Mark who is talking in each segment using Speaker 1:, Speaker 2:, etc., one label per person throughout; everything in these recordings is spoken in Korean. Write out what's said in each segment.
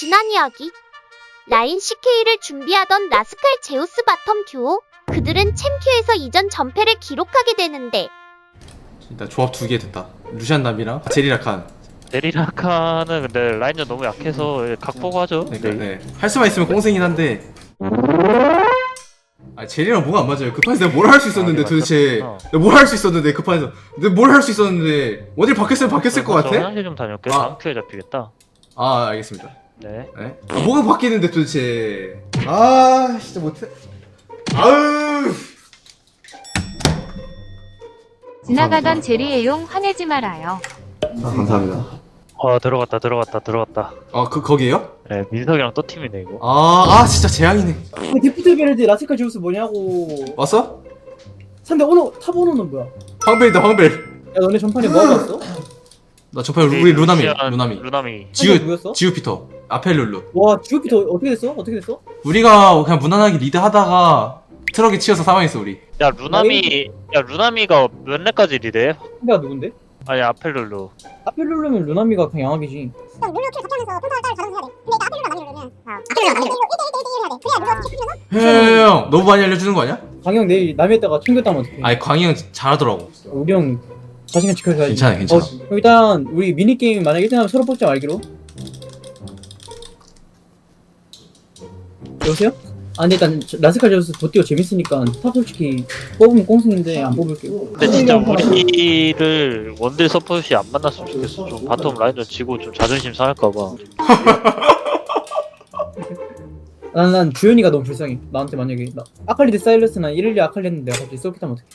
Speaker 1: 지난 이야기. 라인 CK를 준비하던 라스칼 제우스 바텀 듀오. 그들은 챔큐에서 이전 전패를 기록하게 되는데
Speaker 2: 일단 조합 2개 됐다. 루시안 남이랑 제리라칸.
Speaker 3: 데리라카는 근데 라인전 너무 약해서 각 보고 하죠.
Speaker 2: 그러니까 네. 할 수만 있으면 꽁생이긴 한데. 아 제리랑 뭐가 안 맞아요. 급판에서 내가 뭘 할 수 있었는데 도대체. 내가 뭘 할 수 있었는데 급판에서. 내가 뭘 할 수 있었는데 어딜 바뀌었으면 바뀌었을 것
Speaker 3: 저
Speaker 2: 같아?
Speaker 3: 화장실 좀 다녀올게.
Speaker 2: 아.
Speaker 3: 다음 큐에 잡히겠다.
Speaker 2: 아 알겠습니다.
Speaker 3: 네.
Speaker 2: 네? 아, 뭐가 바뀌는데 도대체. 아 진짜 못해. 아으.
Speaker 4: 지나가던 제리애용 화내지 말아요.
Speaker 2: 아, 감사합니다.
Speaker 3: 들어갔다.
Speaker 2: 아 거기에요?
Speaker 3: 네, 민석이랑 또 팀이네 이거.
Speaker 2: 아 진짜 재앙이네.
Speaker 5: 데프트 베르드 라스칼 제우스 뭐냐고.
Speaker 2: 왔어?
Speaker 5: 상대 탑 오너는 뭐야?
Speaker 2: 황벨이다 황벨.
Speaker 5: 야 너네 전판에 뭐 하고 왔어?
Speaker 2: 나 저번에 우리 루나미.
Speaker 3: 루나미.
Speaker 5: 누구였어?
Speaker 2: 지우피터. 아펠룰루.
Speaker 5: 와 GOP 어떻게 됐어? 어떻게 됐어?
Speaker 2: 우리가 그냥 무난하게 리드하다가 트럭에 치여서 사망했어 우리.
Speaker 3: 야 루나미가 몇 렙까지 리드해?
Speaker 5: 상대가 누군데?
Speaker 3: 아니 아펠룰루.
Speaker 5: 아펠룰루면 루나미가 그냥 양악이지.
Speaker 6: 그럼 룰루 킬 적용해서 평타를 가져서 해야 돼. 근데 이거 아펠룰루 많이 누르면 아펠룰루 많이 누르 1대1대1을 해야 돼. 그래야 룰루 킬 풀면서
Speaker 2: 형 너무 많이 알려주는 거 아니야?
Speaker 5: 강형 내일 남이었다가 챙겼다면 어떡해.
Speaker 2: 아니 광희 형 잘하더라고.
Speaker 5: 우리 형 자신감 지켜줘야지.
Speaker 2: 괜찮아.
Speaker 5: 일단 우리 미니게임 만약 1등하면 서로 뽑자 말기로. 여보세요? 아 근데 일단 라스칼 제우스 도띠오 재밌으니까 탑 솔직히 뽑으면 꽁승인데 안 뽑을게요.
Speaker 3: 근데 진짜 우리를 원딜 서폿이 안 만났으면 좋겠어. 좀 바텀 라인전 지고 좀 자존심 상할까봐.
Speaker 5: 난 주현이가 너무 불쌍해. 나한테 만약에 아칼리 대 사일러스나 이렐리아 아칼리 했는데 내가 갑자기 썩겠다면 어떡해.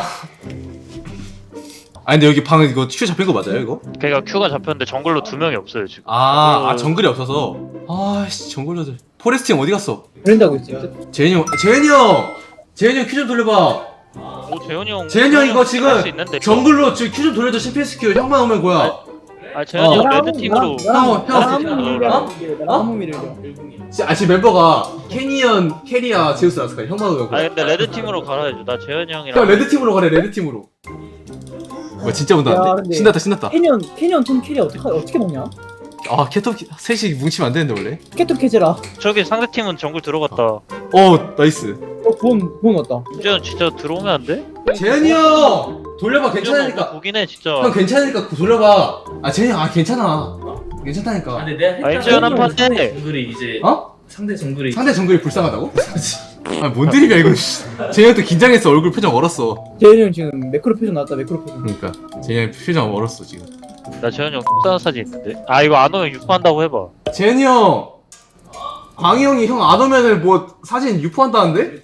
Speaker 2: 아니 근데 여기 방 이거 큐 잡힌 거 맞아요 이거?
Speaker 3: 걔가 큐가 잡혔는데 정글로 2명이 없어요 지금.
Speaker 2: 정글이 없어서. 아씨 정글러들. 포레스트 형 어디 갔어?
Speaker 5: 브랜드 하고 있어요.
Speaker 2: 재현이 형 큐 좀 돌려봐.
Speaker 3: 오 재현이 형.
Speaker 2: 재현이 형 이거 지금
Speaker 3: 할수 있는데, 이거.
Speaker 2: 정글로 지금 큐 좀 돌려줘. CPS 큐 형만 오면 뭐야?
Speaker 3: 아 재현이 형 레드 팀으로.
Speaker 5: 나무 미를
Speaker 2: 지금 멤버가 캐니언, 캐리아, 제우스 라스칼 형만 오면
Speaker 3: 아니 근데 레드 팀으로 갈아야죠. 나 재현이
Speaker 2: 형
Speaker 3: 형이랑.
Speaker 2: 레드 팀으로 가래. 레드 팀으로. 뭐야 진짜
Speaker 5: 야,
Speaker 2: 온다는데?
Speaker 5: 근데-
Speaker 2: 신났다.
Speaker 5: 캐년 톰 캐리 어떻게 먹냐?
Speaker 2: 아 캐톱 셋이 뭉치면 안 되는데 원래.
Speaker 5: 캐톱 캐제라.
Speaker 3: 저기 상대 팀은 정글 들어갔다.
Speaker 2: 나이스.
Speaker 5: 돈 왔다.
Speaker 3: 이제는 진짜 들어오면 안 돼?
Speaker 2: 재현이 형 돌려봐.
Speaker 3: 뭐
Speaker 2: 괜찮으니까.
Speaker 3: 보긴 해 진짜.
Speaker 2: 형 괜찮으니까 돌려봐. 재현이 형 괜찮아. 괜찮다니까.
Speaker 7: 근데 내가
Speaker 3: 아, 이제는 한 판에.
Speaker 7: 상대 정글이 이제
Speaker 2: 어?
Speaker 7: 상대 정글이
Speaker 2: 상대 정글이 불쌍하다고? 뭔 드립이야 이거. 재현이 형도 긴장했어. 얼굴 표정 얼었어.
Speaker 5: 재현이 형 지금 매크로 표정 나왔다. 매크로 표정.
Speaker 2: 그러니까 재현이 형 표정 얼었어 지금.
Speaker 3: 나 재현이 형 속상한 사진 있는데. 아 이거 안 오면 유포한다고 해봐.
Speaker 2: 재현이 형 광희 형이 형 안 오면은 뭐 사진 유포한다는데?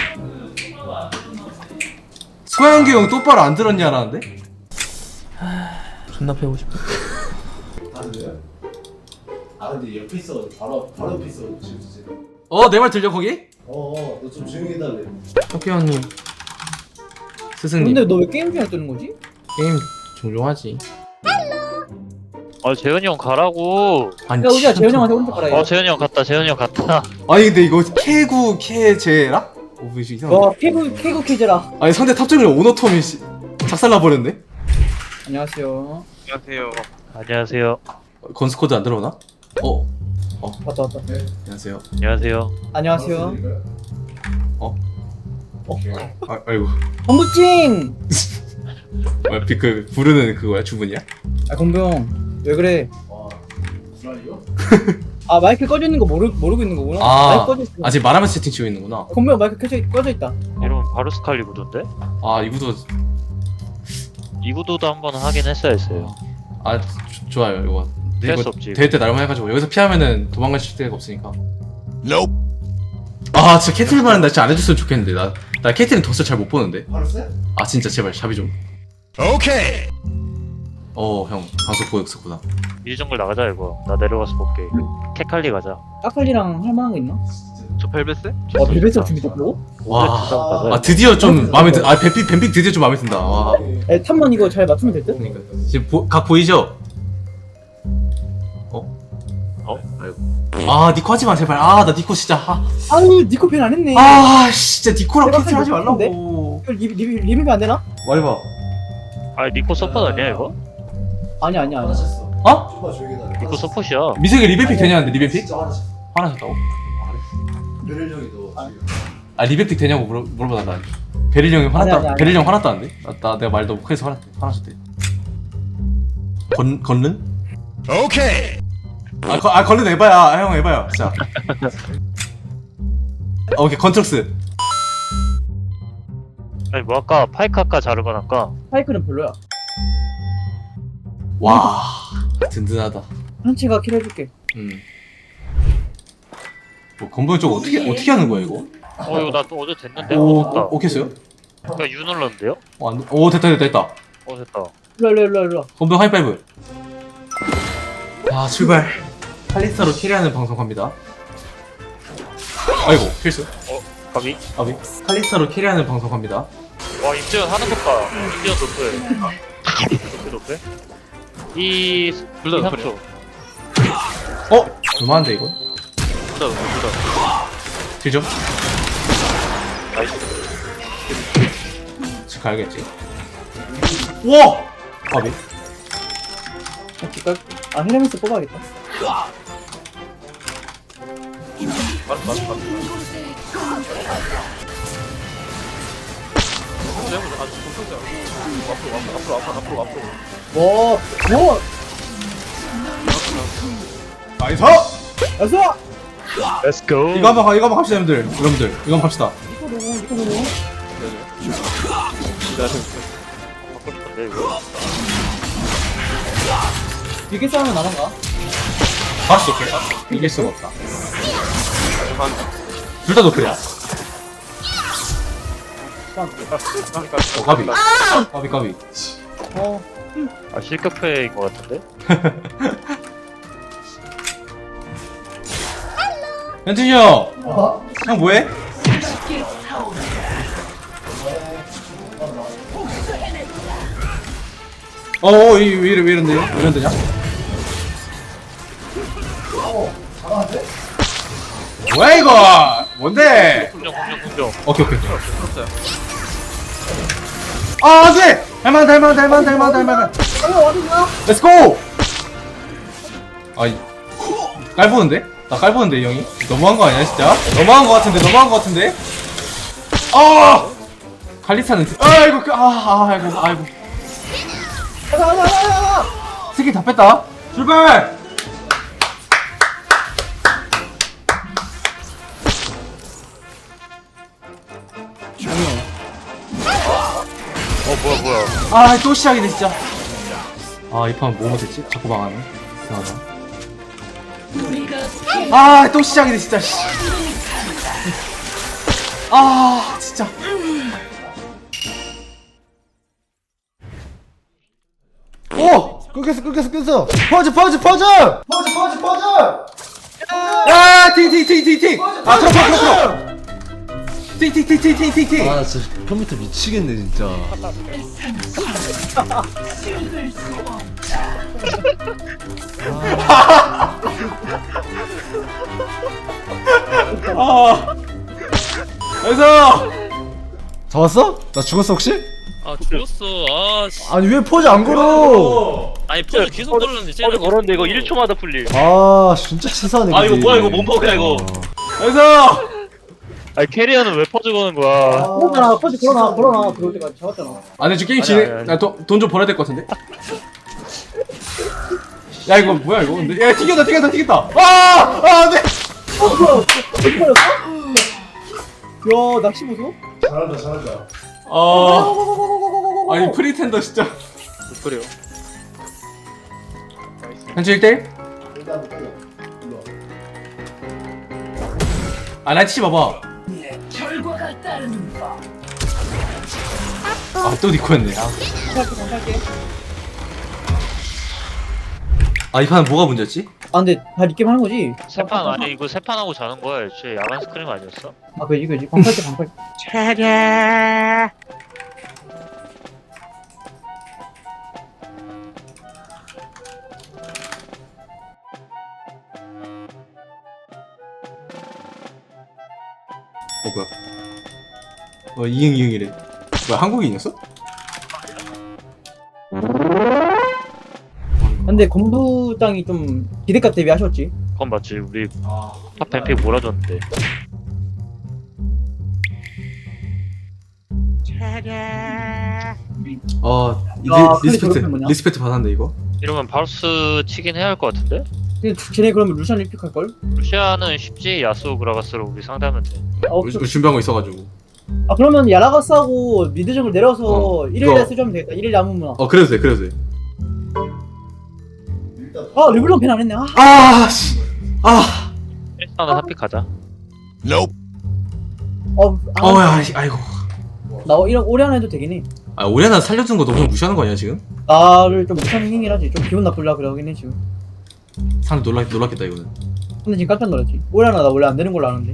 Speaker 2: 소양규 형 똑바로 안 들었냐라는데?
Speaker 7: 존나 패고 싶어.
Speaker 8: 근데 옆에 있어. 바로 옆에 있어. 진짜.
Speaker 2: 내 말 들려 거기?
Speaker 8: 너 좀 조용히 해달래.
Speaker 2: 혁규형님 스승님
Speaker 5: 근데 너 왜 게임 중에 뜨는 거지?
Speaker 2: 게임 종종 하지.
Speaker 3: 아 재현이 형 가라고.
Speaker 2: 아니
Speaker 5: 야 우리가 재현이 형한테 오른쪽 가라.
Speaker 3: 어 재현이 형 갔다. 재현이 형 갔다.
Speaker 2: 아니 근데 이거 캐구 캐제라? 뭐 이상하네.
Speaker 5: 와 캐구 캐제라.
Speaker 2: 아니 상대 탑정을 오너톰이 작살나 버렸네.
Speaker 5: 안녕하세요.
Speaker 3: 안녕하세요.
Speaker 2: 건스코드 안 들어오나?
Speaker 5: 왔다.
Speaker 2: 안녕하세요.
Speaker 3: 안녕하세요.
Speaker 5: 안녕하세요.
Speaker 2: 아이고.
Speaker 5: 건부찡.
Speaker 2: 그 부르는 그거야 주문이야?
Speaker 5: 아 건부형 왜 그래?
Speaker 8: 불안해요?
Speaker 5: 아 마이크 꺼져 있는 거 모르고 있는 거구나. 마이크 꺼져 있어.
Speaker 2: 아직 말하면서 채팅 치고 있는구나.
Speaker 5: 건부형 마이크 꺼져 있다.
Speaker 3: 이러면 바로 스칼리 구도인데?
Speaker 2: 이구도
Speaker 3: 이 구도도 한번 하긴 했어야 했어요.
Speaker 2: 좋아요 이거.
Speaker 3: 피할
Speaker 2: 이거
Speaker 3: 수 없지.
Speaker 2: 대회 때 나름만 해가지고 여기서 피하면은 도망갈 데가 없으니까. 진짜 캐틀만은 나 진짜 안 해줬으면 좋겠는데 나 캐틀은 덫을 잘 못 보는데.
Speaker 8: 바로 쎄?
Speaker 2: 진짜 제발 샵이 좀. 오케이. 형 방송 보고 있었구나.
Speaker 3: 미드 정글 나가자 이거. 나 내려가서 볼게. 캐칼리 가자.
Speaker 5: 까칼리랑 할 만한 거 있나?
Speaker 3: 저 벨벳스?
Speaker 5: 와 벨벳스가 준비됐다고?
Speaker 2: 와 드디어 좀 마음에 든. 뱀픽 드디어 좀 마음에 든다. 와.
Speaker 5: 탑만 이거 잘 맞추면 될 듯?
Speaker 2: 그러니까 지금 각 보이죠? 아이고. 니코 하지마 제발. 나 니코 진짜.
Speaker 5: 아유 니코 팬 안 했네.
Speaker 2: 진짜 니코랑
Speaker 5: 내가
Speaker 2: 캐틀 하지
Speaker 5: 생각했는데?
Speaker 2: 말라고.
Speaker 5: 이거 리뷰 안 되나?
Speaker 2: 말해봐.
Speaker 3: 아 니코 서폿 아니야 이거?
Speaker 5: 아니야.
Speaker 2: 어?
Speaker 8: 초반 조용히 해달래.
Speaker 3: 이거 서폿이야.
Speaker 2: 미세계 리베픽 되냐는데 리베픽?
Speaker 8: 진짜 화나지.
Speaker 2: 화나셨다고?
Speaker 8: 베릴 형이 너 지금
Speaker 2: 아 리베픽 되냐고 물어보다 나 베릴 형이 화났다.
Speaker 5: 아니, 아니.
Speaker 2: 베릴 형 화났다는데? 내가 말 너무 크게서 화나셨대. 건른? 오케이. 건른 에바야. 형 에바야. 진짜. 오케이 건트럭스.
Speaker 3: 아니 뭐 아까 파이크 할까 자르반 할까?
Speaker 5: 파이크는 별로야.
Speaker 2: 와 든든하다.
Speaker 5: 한치가 킬 해줄게.
Speaker 2: 뭐 건보형 쪽 어떻게 하는 거야 이거?
Speaker 3: 이거 나 또 어제 됐는데?
Speaker 2: 오
Speaker 3: 됐다.
Speaker 2: 오케이 했어요?
Speaker 3: 그니까 U 눌렀는데요?
Speaker 2: 오 됐다.
Speaker 3: 됐다.
Speaker 5: 일로.
Speaker 2: 건보형 하이파이브. 아 출발. 칼리스타로 캐리하는 방송 갑니다. 아이고 필수.
Speaker 3: 가비?
Speaker 2: 아비. 칼리스타로 캐리하는 방송 갑니다.
Speaker 3: 와 임재현 하는 것 봐. 임재현 높여. 높여? 이... 둘다 높여.
Speaker 2: 얼마인데 이거?
Speaker 3: 둘다
Speaker 2: 딜죠?
Speaker 3: 나이스.
Speaker 2: 지금 가야겠지. 와! 아비.
Speaker 5: 헤르메스 뽑아야겠다. 뭐?
Speaker 2: 나이스!
Speaker 5: 어서!
Speaker 3: Let's go.
Speaker 2: 이거 한번 갑시다 여러분들. 이거 한번 갑시다.
Speaker 3: 바꿔 싶은데 이거.
Speaker 5: 이게 싸우면 나만가?
Speaker 2: 할수 없겠다. 이길 수가 없다. 둘 다 노플이야. 까비.
Speaker 3: 아 실격패인 것 같은데?
Speaker 2: 현진이 형! 형 뭐해? 왜 이런데냐? 뭐야 이거! 뭔데?
Speaker 3: 공정.
Speaker 2: 오케이. 아, 안 돼! 할만하다. 렛츠고! 아이, 깔보는데? 나 깔보는데, 이 형이? 너무한 거 아니야, 진짜? 너무한 거 같은데? 칼리스타는, 아이고. 스킬 다 뺐다. 출발!
Speaker 3: 뭐야.
Speaker 2: 또 시작이네, 진짜. 이 판 뭐 못했지? 자꾸 망하네. 이상하다. 또 시작이네, 진짜. 씨. 진짜.
Speaker 8: 끊겼어. 퍼즈.
Speaker 2: 야, 팅. 트럭. 팅.
Speaker 8: 아 진짜 컴퓨터 미치겠네 진짜.
Speaker 2: 그래서
Speaker 8: 잡았어? 나 죽었어 혹시?
Speaker 7: 아 죽었어. 아 씨.
Speaker 8: 아니 왜 퍼즈 안 걸어?
Speaker 7: 아니 퍼즈 계속 걸렸는데 쟤는
Speaker 3: 걸었는데 이거 1초마다 풀림.
Speaker 8: 아 진짜 치사하네.
Speaker 7: 아 이거 뭐야 이거 몸폭이야 이거.
Speaker 2: 그래서
Speaker 3: 아니 캐리어는 왜 퍼즈 거는 거야?
Speaker 5: 걸어놔, 퍼지 걸어놔. 들어올 때까지 잡았잖아.
Speaker 2: 근데 지금 게임
Speaker 3: 아니.
Speaker 2: 진행 나돈 좀 벌어야 될 것 같은데? 야 이거 뭐야 이거 근데 야 튀겼다 안돼
Speaker 5: 어디 걸렸어? 야, 낚시 보소?
Speaker 8: 잘한다.
Speaker 2: 아니 프리텐더 진짜
Speaker 3: 그래요.
Speaker 2: 현재 1대1?
Speaker 8: 일단 때려.
Speaker 2: 나 치지 마봐 또 니코였네
Speaker 5: 갈게.
Speaker 3: 아,
Speaker 2: 이 판은 뭐가 문제였지?
Speaker 5: 근데 다 리게임 하는 거지?
Speaker 3: 세판 아니 이거 세판 하고 자는 거야. 애초에 야간 스크림 아니었어?
Speaker 5: 그지. 방팔게.
Speaker 2: 뭐야 이응이응이래 뭐야 한국인이었어?
Speaker 5: 근데 건부장이 좀 기대값 대비 하셨지.
Speaker 3: 그건 맞지. 우리
Speaker 8: 아
Speaker 3: 탑 뱀픽 몰아줬는데.
Speaker 2: 이제
Speaker 5: 야, 클릭 저렇게 뭐냐?
Speaker 2: 리스펙트 받았는데 이거.
Speaker 3: 이러면 바루스 치긴 해야 할 것 같은데?
Speaker 5: 근데 쟤네 그러면 루시안 1픽 할걸?
Speaker 3: 루시아는 쉽지. 야수 그라가스로 우리 상대하면 돼.
Speaker 2: 우리 준비한 거 있어가지고.
Speaker 5: 그러면 야라가스하고 미드 정글 내려서
Speaker 2: 어,
Speaker 5: 1일에
Speaker 2: 이거-
Speaker 5: 쓰면 되겠다. 1일에 아무나.
Speaker 2: 그래도 돼, 그래도 돼.
Speaker 8: 일단
Speaker 5: 르블론 팬 안 했네.
Speaker 2: 씨. 아.
Speaker 3: 일단은 탑픽 가자.
Speaker 2: 아이고.
Speaker 5: 나 이런 오래 안 해도 되긴 해.
Speaker 2: 오리아나 살려준 거 너무 무시하는 거 아니야 지금?
Speaker 5: 나를 좀 못하는 행위긴 하지. 좀 기분 나쁘려 그러긴 해 지금.
Speaker 2: 사람 놀랐겠다 이거는.
Speaker 5: 근데 지금 깜짝 놀랐지. 오래나 나 원래 안 되는 걸로 아는데.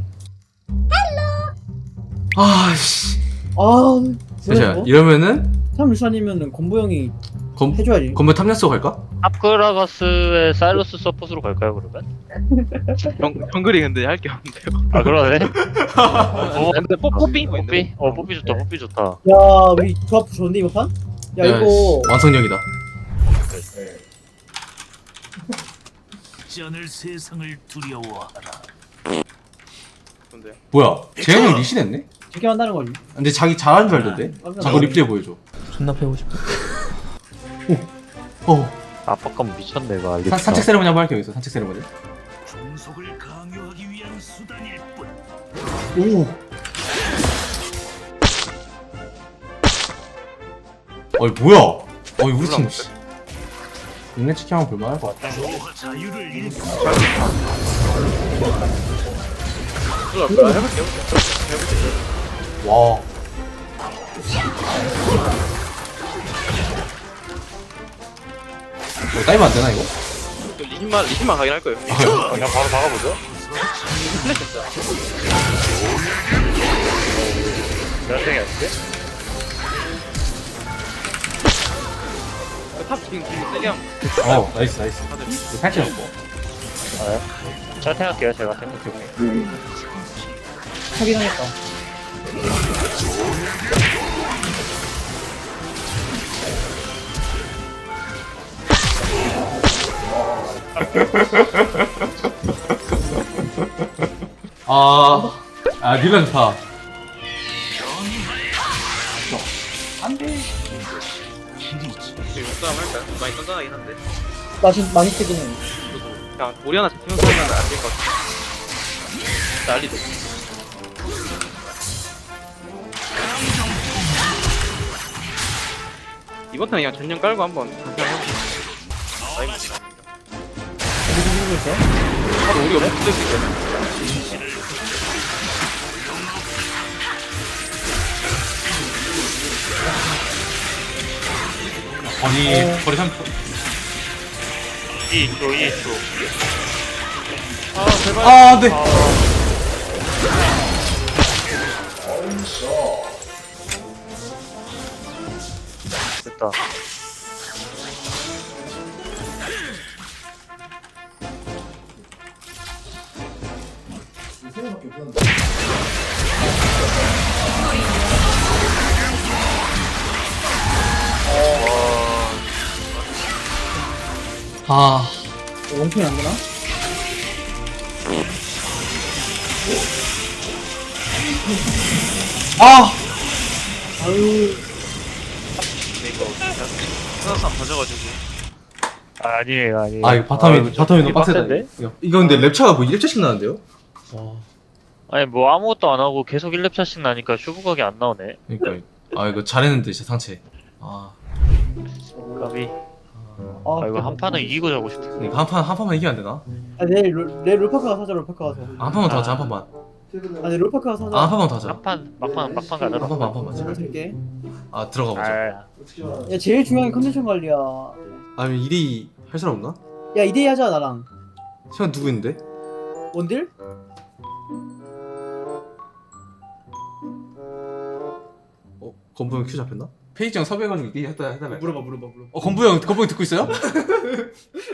Speaker 2: 씨.
Speaker 5: 뭐야
Speaker 2: 자,
Speaker 5: 이거?
Speaker 2: 이러면은
Speaker 5: 참 루시안이면은 건부 형이
Speaker 2: 검
Speaker 5: 해줘야지.
Speaker 2: 건물 탐냈어 갈까?
Speaker 3: 탑 그라가스의 사일러스 서폿으로 갈까요 그러면?
Speaker 9: 정글이 근데 할 게 없는데요.
Speaker 3: 아 그러네.
Speaker 9: 근데 뽀삐
Speaker 3: 뽀삐? 뽀삐 좋다. 뽀삐 좋다.
Speaker 5: 야 우리 조합 좋은데 이번 판? 야 이거
Speaker 2: 완성형이다.
Speaker 8: 전을 세상을 두려워하라.
Speaker 9: 근데요.
Speaker 2: 뭐야? 재현이 형 리신했네?
Speaker 5: 이렇게 한다는 거지.
Speaker 2: 근데 자기 잘하는 줄 알던데?
Speaker 5: 깜짝
Speaker 2: 자꾸
Speaker 5: 놀랐네.
Speaker 2: 리플레이 보여줘.
Speaker 10: 존나 패고 싶어.
Speaker 3: 압박감 미쳤네 이거 알겠어.
Speaker 2: 산책 세레머니 한번 할게요 여기서. 산책 세레머니.
Speaker 8: 종속을 강요하기 위한 수단일 뿐.
Speaker 2: 오. 뭐야? 우리 팀 씨. 인내 치킨 한번 볼만할 것 같다.
Speaker 8: 조화 자유를 잃고
Speaker 2: 와. 따이면 안 되나 이거?
Speaker 9: 리신만 가긴 할 거예요.
Speaker 3: 그냥 바로 나가보죠. 몇 등이 아닌데?
Speaker 9: 탑 지금 세게 하면
Speaker 2: 나이스. 이거 팔찌 넣고.
Speaker 3: 제가 생각할게요. 제가 생각해볼게요.
Speaker 5: 하긴 하겠다.
Speaker 2: 닐라 좋다.
Speaker 9: 용싸움 할까요? 많이 던전하긴 한데.
Speaker 5: 많이 쓰긴 해.
Speaker 9: 그냥 우리 하나 잡히면서 하면 안 될 것 같아. 난리도. 이번 턴 그냥 전령 깔고 한번 그냥 해보자. 바로 우리가 못 쓸 수 있거든.
Speaker 2: 거리 3초.
Speaker 3: 2초.
Speaker 9: 아 제발.
Speaker 2: 안돼.
Speaker 3: 됐다.
Speaker 8: 세명밖에 없었는데.
Speaker 5: 원통이 안 되나? 아유.
Speaker 9: 하나 가져가지고.
Speaker 3: 아니에요.
Speaker 2: 이거 바텀이 너무 빡세다.
Speaker 3: 빡센데?
Speaker 2: 이거 근데 랩차가 뭐 1차씩 나는데요?
Speaker 3: 아니 뭐 아무것도 안 하고 계속 1렙 차씩 나니까 슈브각이 안 나오네.
Speaker 2: 그러니까 이거 잘했는데 진짜 상체.
Speaker 3: 까비.
Speaker 5: 아
Speaker 3: 이거 한 판은 이기고 자고 싶어.
Speaker 2: 그러니까 한 판만 이기면 안 되나?
Speaker 5: 내일 롤파크 가서 하자. 롤파크 가서.
Speaker 2: 한 판만 더 하자. 한 판만.
Speaker 5: 아니 롤파크 가서 하자.
Speaker 2: 한 판만 더 하자.
Speaker 3: 막판 가자.
Speaker 2: 한 판만.
Speaker 5: 잘 들게.
Speaker 2: 들어가 보자.
Speaker 5: 야 제일 중요한 게 컨디션 관리야.
Speaker 2: 아니면 1위 할 사람 없나?
Speaker 5: 야 2대2 하자 나랑.
Speaker 2: 시간 누구 있는데?
Speaker 5: 원딜?
Speaker 2: 건부 형 큐 잡혔나? 페이지 형 섭외해가지고 얘기 해달래.
Speaker 5: 물어봐.
Speaker 2: 건부 형 듣고 있어요?